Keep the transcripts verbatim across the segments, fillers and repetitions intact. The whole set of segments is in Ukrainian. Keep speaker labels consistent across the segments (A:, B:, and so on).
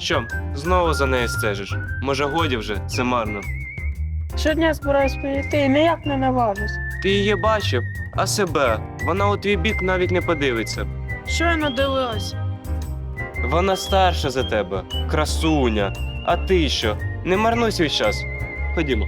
A: Що, знову за нею стежиш? Може, годі вже, це марно.
B: Щодня збираюсь прийти і ніяк не наважусь.
A: Ти її бачив, а себе. Вона у твій бік навіть не подивиться.
B: Щойно дивилась.
A: Вона старша за тебе, красуня. А ти що? Не марнуй свій час. Ходімо.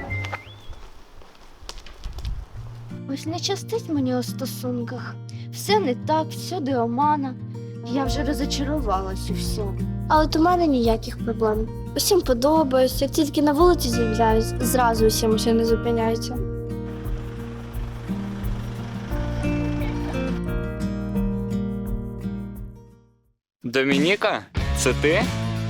C: Ось не щастить мені у стосунках. Все не так, всюди омана. Я вже розочарувалась у всьому. А от у мене ніяких проблем. Усім подобаюсь, як тільки на вулиці з'являюсь, зразу усі машини зупиняються.
D: Домініка, це ти?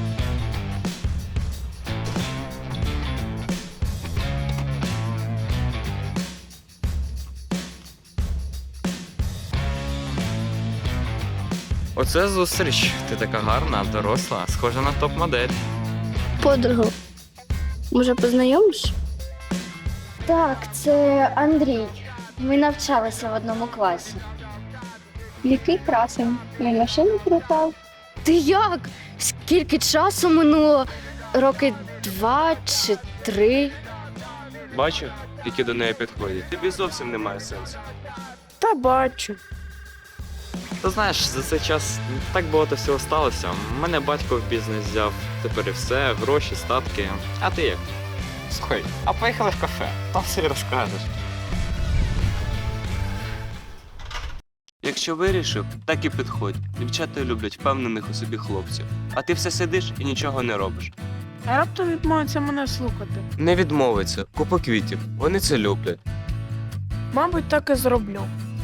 D: Оце зустріч. Ти така гарна, доросла, схожа на топ-модель.
C: Подругу, може познайомиш? Так, це Андрій. Ми навчалися в одному класі.
E: Який красень. Він машину припав.
C: Ти як? Скільки часу минуло? Роки два чи три?
A: Бачив, які до неї підходять. Тобі зовсім немає сенсу.
B: Та бачу.
D: Ти знаєш, за цей час так багато всього сталося. Мене батько в бізнес взяв, тепер і все, гроші, статки. А ти як? Слухай, а поїхали в кафе, там все й розкажеш.
A: Якщо вирішив, так і підходь. Дівчата люблять впевнених у собі хлопців. А ти все сидиш і нічого не робиш.
B: А раптом відмовиться мене слухати.
A: Не відмовиться, купа квітів. Вони це люблять.
B: Мабуть, так і зроблю.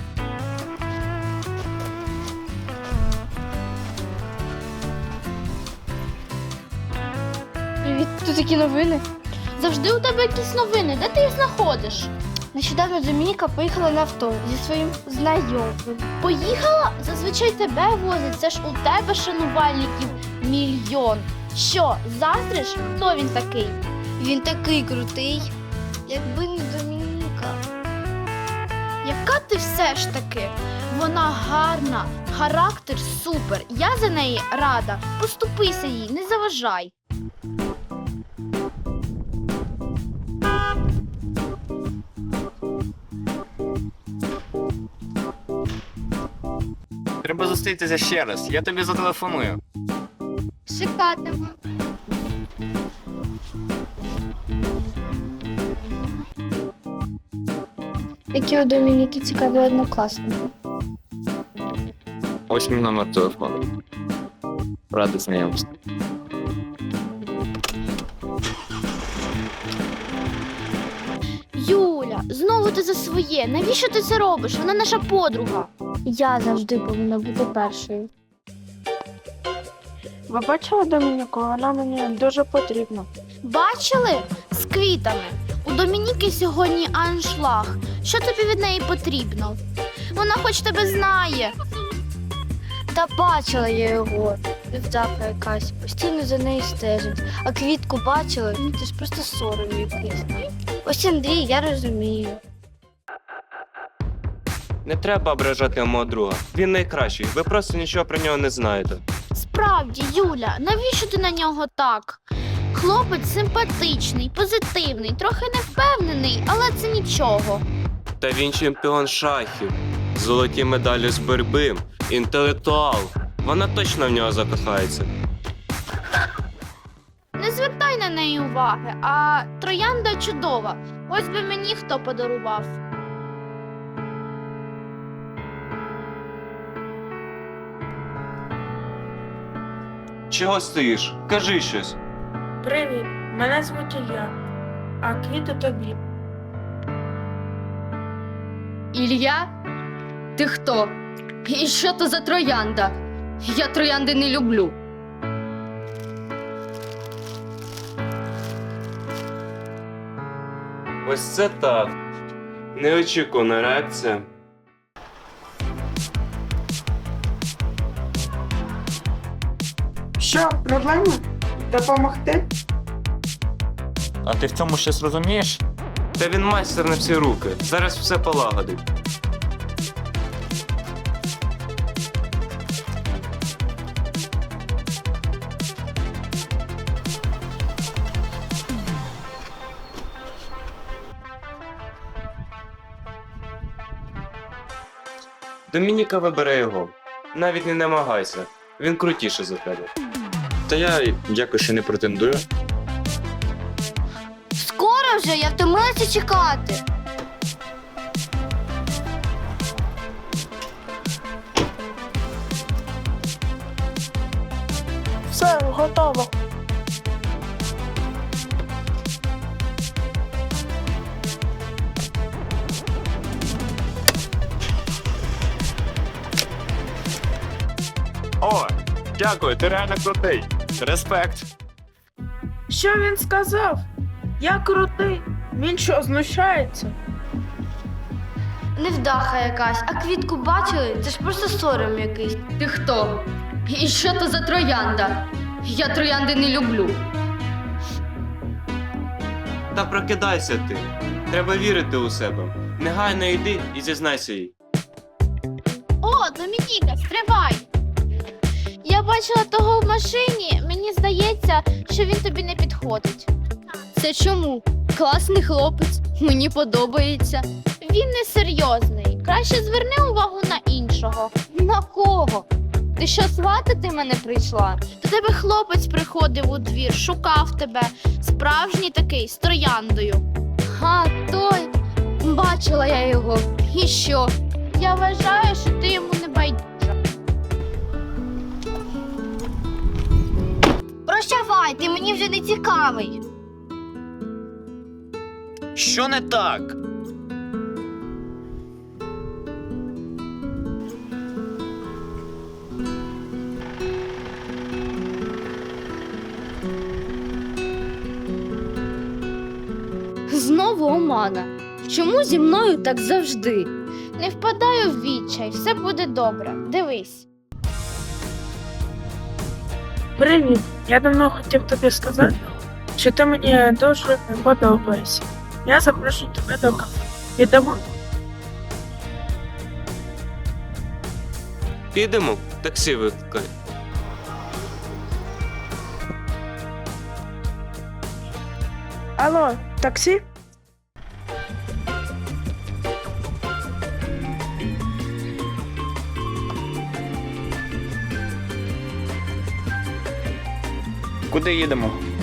C: Привіт, тут такі новини. Завжди у тебе якісь новини. Де ти їх знаходиш? Нещодавно Домініка поїхала на авто зі своїм знайомим. Поїхала? Зазвичай тебе возять. Це ж у тебе шанувальників мільйон. Що, заздриш? Хто він такий? Він такий крутий. Якби не Домініка. Яка ти все ж таки? Вона гарна, характер супер. Я за неї рада. Поступися їй, не заважай.
D: Треба зустрітися ще раз, я тобі зателефоную.
C: Чекатиму. Які у Домініки цікаві однокласники.
D: Ось мій номер телефону. Радий знайомству.
C: Юля, знову ти за своє. Навіщо ти це робиш? Вона наша подруга. Я завжди повинна бути першою.
B: Ви бачили Домініку? Вона мені дуже потрібна.
C: Бачили? З квітами. У Домініки сьогодні аншлаг. Що тобі від неї потрібно? Вона хоч тебе знає. Та бачила я його. Дівчатка якась, постійно за нею стежить. А квітку бачила, ну це ж просто сором якийсь. Ось Андрій, я розумію.
A: Не треба ображати мого друга. Він найкращий. Ви просто нічого про нього не знаєте.
C: Справді, Юля, навіщо ти на нього так? Хлопець симпатичний, позитивний, трохи невпевнений, але це нічого.
A: Та він чемпіон шахів. Золоті медалі з боротьби. Інтелектуал. Вона точно в нього закохається.
C: Не звертай на неї уваги, а троянда чудова. Ось би мені хто подарував.
A: Чого стоїш? Кажи щось.
B: Привіт, мене звуть Ілля, а квіти тобі.
F: Ілля? Ти хто? І що то за троянда? Я троянди не люблю.
A: Ось це так. Неочікувана реакція.
B: Що, проблема? Допомогти?
D: А ти в цьому щось розумієш?
A: Та він майстер на всі руки. Зараз все полагодить. Домініка вибере його. Навіть не намагайся. Він крутіше за тебе.
D: Та я якось ще не претендую.
C: Скоро вже, я втомилася чекати.
B: Все, готово.
D: О, дякую, ти реально крутий. Респект.
B: Що він сказав? Я крутий. Він що, знущається?
C: Невдаха якась, а квітку бачили? Це ж просто сором якийсь.
F: Ти хто? І що то за троянда? Я троянди не люблю.
A: Та прокидайся ти. Треба вірити у себе. Негайно йди і зізнайся їй.
C: О, Домініка, стривай! Я бачила того в машині. Мені здається, що він тобі не підходить.
F: Це чому? Класний хлопець, мені подобається.
C: Він не серйозний. Краще зверни увагу на іншого. На кого? Ти що, сватати мене прийшла? До тебе хлопець приходив у двір, шукав тебе. Справжній такий, з трояндою.
F: А, той. Бачила я його. І що?
C: Я вважаю, що ти йому не байдужа. Прощавай, ти мені вже не цікавий.
D: Що не так?
F: Знову омана. Чому зі мною так завжди?
C: Не впадай у відчай, все буде добре. Дивись.
B: Привіт. Я давно хотів тобі сказати, що ти мені дуже подобаєшся. Я запрошую тебе до кафе. Підемо?
A: Підемо, таксі викликай.
B: Алло, таксі?
D: Куди їдемо?